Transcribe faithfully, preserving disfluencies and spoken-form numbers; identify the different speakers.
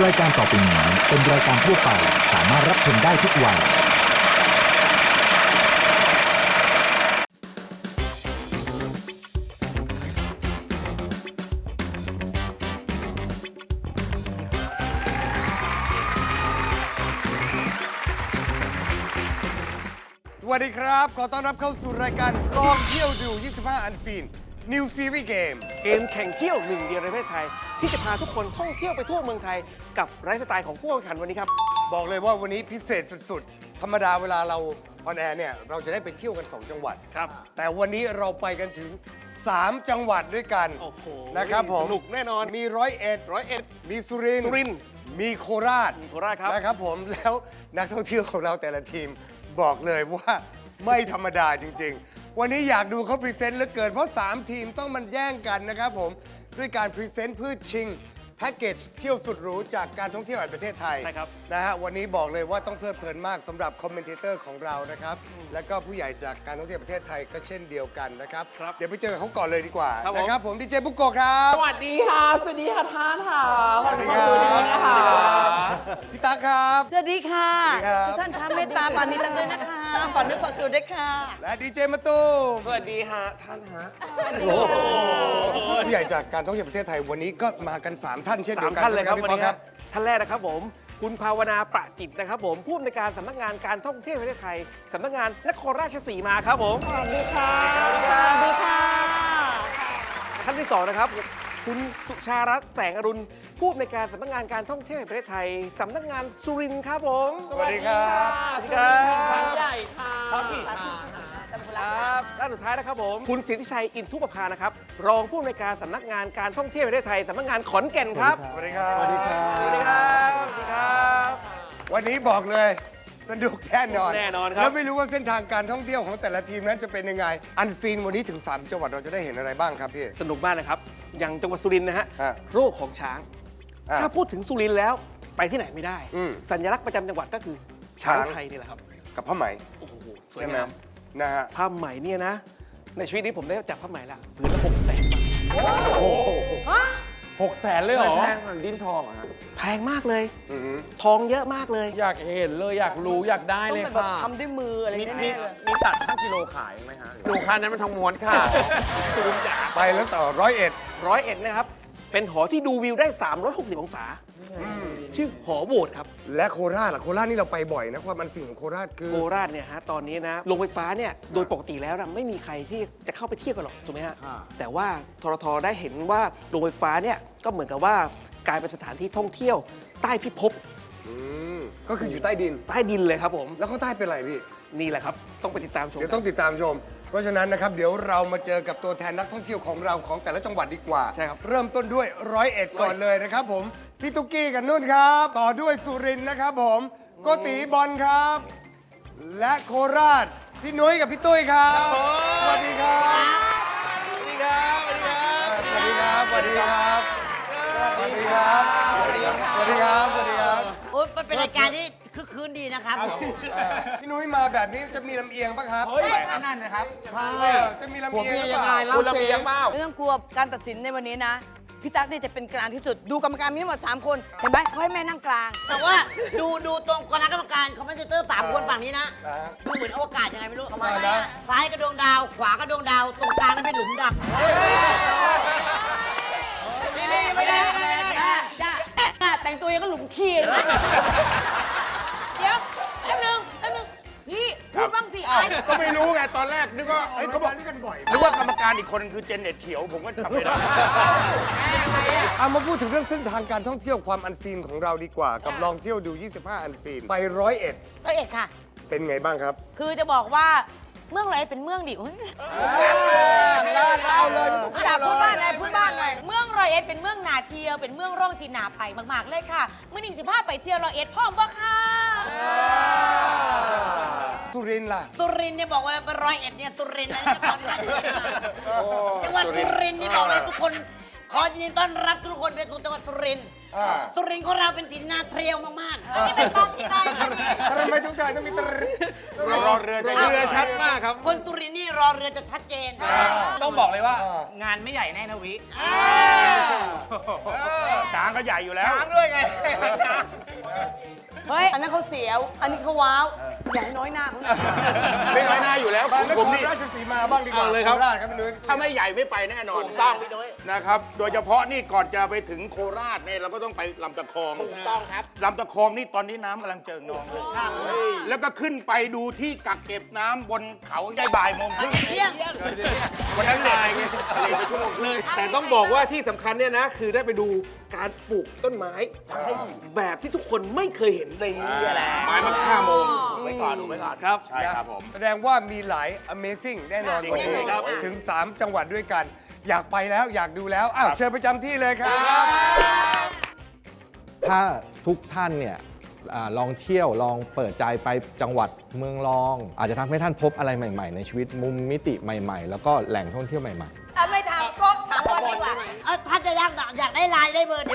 Speaker 1: รายการต่อไปนี้เป็นรายการทั่วไปสามารถรับชมได้ทุกวัย
Speaker 2: สวัสดีครับขอต้อนรับเข้าสู่รายการลองเที่ยวดู ยี่สิบห้า อันซีน New Series Game
Speaker 3: เกมแข่งเที่ยวหนึ่งเดียวในประเทศไทย ที่จะพาทุกคนท่องเที่ยวไปทั่วเมืองไทยกับไลฟ์สไตล์ของผู้แข่งขันวันนี้ครับ
Speaker 2: บอกเลยว่าวันนี้พิเศษสุดๆ ธรรมดาเวลาเราออนแอร์เนี่ยเราจะได้ไปเที่ยวกัน สอง จังหวัด
Speaker 3: ครับ
Speaker 2: แต่วันนี้เราไปกันถึง สาม จังหวัดด้วยกัน
Speaker 3: โอ้โห
Speaker 2: นะครับผม
Speaker 3: สนุกแน่นอน
Speaker 2: มีร้อยเอ็ด
Speaker 3: ร้อยเอ็ด
Speaker 2: มีสุรินท
Speaker 3: สุรินทร์
Speaker 2: มีโคราช
Speaker 3: มีโคราชครับ
Speaker 2: นะครับผมแล้วนักท่องเที่ยวของเราแต่ละทีมบอกเลยว่าไม่ธรรมดาจริงๆ วันนี้อยากดูเขาพรีเซนต์เหลือเกินเพราะ สาม ทีมต้องมันแย่งกันนะครับผมด้วยการพรีเซนต์เพื่อชิงแพ็กเกจเที่ยวสุดหรูจากการท่องเที่ยวแห่งประเทศไทย
Speaker 3: ใช่ครับ
Speaker 2: นะฮะวันนี้บอกเลยว่าต้องเพลิดเพลินมากสำหรับคอมเมนเตอร์ของเรานะครับแล้วก็ผู้ใหญ่จากการท่องเที่ยวประเทศไทยก็เช่นเดียวกันนะครับเดี๋ยวไปเจอกับเขาก่อนเลยดีกว่า
Speaker 3: ครับผม
Speaker 2: นะครับผมดีเจบุกโกะครับ
Speaker 4: สวัสดีค่ะ สวัสดีค่ะท่านค่ะ
Speaker 2: สวัสดีค
Speaker 4: ข
Speaker 2: รั
Speaker 4: อบคุณด้วยนะคะ
Speaker 2: พี่ตั๊กครับ
Speaker 5: สวัสดีค่ะ
Speaker 2: สวัสดีครับ
Speaker 5: ทุกท่านคะเมตตาปานิตังด้วยนะคะฝากนึกฝากตัวด้วยค่ะ
Speaker 2: และดีเจมะตูม
Speaker 3: สวัสดีฮะท่านฮะ
Speaker 2: ผู้ใหญ่จากการท่องเที่ยวประเทศไทยวันนี้ก็มากัน สาม ท่านเช่น
Speaker 3: สา
Speaker 2: เดีย
Speaker 3: ม
Speaker 2: วกัน
Speaker 3: ท่าน เลย
Speaker 2: ใช่ไหม
Speaker 3: ค
Speaker 2: ค
Speaker 3: รั
Speaker 2: รั
Speaker 3: บบ
Speaker 2: พี่
Speaker 3: วัน
Speaker 2: ป๊อก
Speaker 3: นี้
Speaker 2: ค
Speaker 3: ค
Speaker 2: รั
Speaker 3: รับ บท่านแรกนะครับผม คุณภาวนาประจิตนะครับผมผู้อำนวยการสำนักงานการท่องเที่ยวแห่งประเทศไทยสำนักงานนครราชสีมาครับผม
Speaker 4: สวัสดีค่ะ
Speaker 5: สวัสดีค่ะ
Speaker 3: ท่านที่สองนะครับคุณสุชารัตน์แสงอรุณผู้อำนวยการสำนักงานการท่องเที่ยวแห่งประเทศไทยสำนักงานสุรินทร์ครับผม
Speaker 2: สวัสดีครับ
Speaker 3: สวัสดีครับ
Speaker 4: ท่านใหญ่ค่ะชอบกี่ชา
Speaker 3: ครับด้านสุดท้ายนะครับผมคุณสิทธิชัยอินทุปภานะครับรองผู้อำนวยการสำนักงานการท่องเที่ยวแห่งประเทศไทยสำนักงานขอนแก่นครับ
Speaker 2: สวัสดีครับ
Speaker 3: สวัสดีครับสวัสดีครับสวัสดีครับ
Speaker 2: วันนี้บอกเลยสนุกแน่นอน
Speaker 3: แน่นอนครับ
Speaker 2: แล้วไม่รู้ว่าเส้นทางการท่องเที่ยวของแต่ละทีมนั้นจะเป็นยังไง อันซีนวันนี้ถึง สาม จังหวัดเราจะได้เห็นอะไรบ้างครับพี่
Speaker 3: สนุกมากนะครับอย่างจังหวัดสุรินทร์นะฮะ
Speaker 2: อ่ะ
Speaker 3: โรคของช้าง
Speaker 2: อ่ะ
Speaker 3: ถ้าพูดถึงสุรินทร์แล้วไปที่ไหนไม่ได้
Speaker 2: อืม
Speaker 3: สัญลักษณ์ประจำจังหวัดก็คือช้าง
Speaker 2: ช้าง
Speaker 3: ไทยนี่แหละครับ
Speaker 2: กับผ้าไหม
Speaker 3: โอ้โหสวย
Speaker 2: ใช่ไหม
Speaker 3: งาม
Speaker 2: นะฮะ
Speaker 3: ผ้าไหมเนี่ยนะ ในชีวิตนี้ผมได้จับผ้าไหมละผืนละหกแสนบาท
Speaker 4: หกแสนเลยเหรอ
Speaker 6: แพงเหมือนดิ้นทองอะฮะ
Speaker 3: แพงมากเลย
Speaker 2: อือหือ
Speaker 3: ทองเยอะมากเลย
Speaker 6: อยากเห็นเลยอยากรู้อยากได้
Speaker 5: ต้อง
Speaker 6: เลย
Speaker 5: เป็นแบบ
Speaker 6: ค่ะ
Speaker 5: ทำด้วยมืออะไร
Speaker 6: มี
Speaker 5: แน่
Speaker 6: มี
Speaker 5: ๆเลย
Speaker 6: มีตัดช่างกิโลขายไหมฮะดูคันนั้นมันทองม้วนค่ะ
Speaker 2: ไปแล้วต่อร้อยเอ็ด
Speaker 3: ร้อยเอ็ดนะครับ เป็นหอที่ดูวิวได้ สามร้อยหกสิบ องศา ชื่อหอโหวตครับ
Speaker 2: และโคราชล่ะโคราชนี่เราไปบ่อยนะความอันซีนของโคราชคือ
Speaker 3: โคราชเนี่ยฮะตอนนี้นะโรงไฟฟ้าเนี่ยโดยปกติแล้วนะไม่มีใครที่จะเข้าไปเที่ยวกันหรอกถูกไหมฮะ
Speaker 6: อ่า
Speaker 3: แต่ว่าทรทได้เห็นว่าโรงไฟฟ้าเนี่ยก็เหมือนกับว่ากลายเป็นสถานที่ท่องเที่ยวใต้พิภพ
Speaker 2: อืมก็คืออยู่ใต้ดิน
Speaker 3: ใต้ดินเลยครับผม
Speaker 2: แล้วข้างใต้เป็นอะไรพี่
Speaker 3: นี่แหละครับต้องไปติดตามชม
Speaker 2: เดี๋ยวต้องติดตามชม เพราะฉะนั้นนะครับเดี๋ยวเรามาเจอกับตัวแทนนักท่องเที่ยวของเราของแต่ละจังหวัดดีกว่า
Speaker 3: ใช่ครับ
Speaker 2: เริ่มต้นด้วยร้อยเอ็ดก่อนเลยนะครับผม พี่ตุ๊กกี้กับนุ่นครับ ต่อด้วยสุรินทร์นะครับผมโกติบอลครับ และโคราช พี่นุ้ยกับพี่ตุ้ยครับ สวัสดีครับ
Speaker 3: สวัสดีครับสวัสดีครับ
Speaker 2: สวัสดีครับ สวัสดีครับ สวัสดีครับ สวัสดีครับ สวัสดีครับ
Speaker 5: โอ้ยมันเป็นรายการที่คึกคืนดีนะครับ
Speaker 2: เอ่อพี่นุ้ยมาแบบนี้จะมีลำเอียงปะครับ
Speaker 6: นั่นนะครับ
Speaker 2: เออจะมีลำเอียงหรือเปล่า
Speaker 6: คุณลำเอียงเปล่า
Speaker 5: ไม่ต้องกลัวการตัดสินในวันนี้นะ พี่ตั๊กเนี่ยจะเป็นกลางที่สุด ดูกรรมการมีทั้งหมดสามคน เห็นไหมเขาให้แม่นั่งกลาง
Speaker 7: แต่ว่าดูดูตรงคณะกรรมการคอมเมนเตอร์สามคนฝั่งนี้นะ
Speaker 2: อ่า
Speaker 7: ดูเหมือนอวกาศยังไงไม่รู้
Speaker 2: ทำไมนะ
Speaker 7: ซ้ายกระดวงดาว ขวากระดวงดาว ตรงกลางนั่นเป็นหลุมดำ
Speaker 5: ไม่ได้ไม่ได้ไม่ได้จ้าจ้าแต่งตัวยังก็หลุมขี้เลยนะเดี๋ยวแป๊บนึงแป๊บนึงพี่พูดบ้างสิไอ้
Speaker 6: ก็ไม่รู้ไงตอนแรกนึกว่า
Speaker 2: ไอ้ยเขาบอกนี่กันบ่อย
Speaker 6: นึกว่ากรรมการอีกคนนึงคือเจนเน็ตเขียวผมก็จำไม่ได้
Speaker 2: เอามาพูดถึงเรื่องเส้นทางการท่องเที่ยวความอันซีนของเราดีกว่า กับลองเที่ยวดู ยี่สิบห้า อันซีน ไปร้อยเอ็ด
Speaker 5: ร้อยเอ็ดค่ะ
Speaker 2: เป็นไงบ้างครับ
Speaker 5: คือจะบอกว่าเมืองร้อยเอ็ดเป็นเมืองดิอุ๊ย
Speaker 6: เล่าเลย
Speaker 5: อยากพูดบ้านอะไรพูดบ้านหน่อยเมืองร้อยเอ็ดเป็นเมืองนาเที่ยวเป็นเมืองร่องที่นาไปมากๆเลยค่ะเมื่อหนึ่งสิบห้าไปเที่ยวร้อยเอ็ดพร้อมบ่ค่ะ
Speaker 2: สุรินทร์ล่ะ
Speaker 7: สุรินทร์เนี่ยบอกว่าเป็นร้อยเอ็ดเนี่ยสุรินทร์นะนครราชสีมาจังหวัดสุรินทร์นี่บอกเลยทุกคน ขอยินดีต้อนรับทุกคนไปสู่จังหวัดสุรินทร์
Speaker 2: อ่า
Speaker 7: สุรินทร์ของเราเป็นถิ่นนาเที่ยวมากๆ
Speaker 5: นี่เป็นบ้านที่ได้ค่ะ
Speaker 2: ทำไมทุกท่านต้องมีตร
Speaker 6: รอเรือจะ
Speaker 3: เรือชัดมากครับ
Speaker 7: คนสุรินทร์นี่รอเรือจะชัดเจน
Speaker 6: ต้องบอกเลยว่า
Speaker 2: อ่า
Speaker 6: งานไม่ใหญ่แน่นะวิ
Speaker 7: อ่า
Speaker 6: ช้าางก็ใหญ่อยู่แล้ว
Speaker 3: ช้างด้วยไง ช้าง
Speaker 5: เฮ้ย อันนั้นเขาเสียว อันนี้เขาว้าว อย่าให้น้อยหน้าเขาเลย
Speaker 6: ไม่น้อยหน้าอยู่แล้ว
Speaker 2: บางน
Speaker 6: ผ
Speaker 2: ค
Speaker 6: ม
Speaker 2: ร
Speaker 6: นี่
Speaker 2: ราชสีมาบ้างดีกว่า
Speaker 3: เอาเลยครับ
Speaker 2: โราชครับพี่นุ้ย
Speaker 6: ถ้าไม่ใหญ่ไม่ไปแน่นอนถูกต้องพี่นุ้ยนะครับ โดยเฉพาะนี่ก่อนจะไปถึงโคราชเนี่ยเราก็ต้องไปลำตะคองถูกต้องครับลำตะคองนี่ตอนนี้น้ำกำลังเจิ่งนองเลยแล้วก็ขึ้นไปดูที่กักเก็บน้ำบนเขาได้บ่ายโมงครึ่ง
Speaker 7: เที่ยง
Speaker 6: วันนั้นเลยเลยไปชั่วโมงครึ่ง
Speaker 3: แต่ต้องบอกว่าที่สำคัญเนี่ยนะ คือได้ไปดูการปลูกต้นไม้แบบที่ทุกคนไม่เคยเห็นในนี้แหละ
Speaker 6: ไม้มาฆ่าโมง
Speaker 3: ไว้ก่อนดูไว้ก่อนครับ
Speaker 6: ใช่ครับผม
Speaker 2: แสดงว่ามีหลาย Amazing แน่นอนวันนี้
Speaker 3: ครับ
Speaker 2: ถึง สาม จังหวัดด้วยกัน อยากไปแล้วอยากดูแล้ว อ้าว เชิญประจำที่เลยครับ
Speaker 8: ถ้าทุกท่านเนี่ยอาลองเที่ยวลองเปิดใจไปจังหวัดเมืองรอง อาจจะทำให้ท่านพบอะไรใหม่ๆ ในชีวิตมุมมิติใหม่ๆ แล้วก็แหล่งท่องเที่ยวใหม่ๆ
Speaker 5: อ่ะไม่ถามก็ถามบอลดีกว่า
Speaker 7: เอ้าถ้าจะอยากอยากได้ไลน์ได้เบอร์ไหน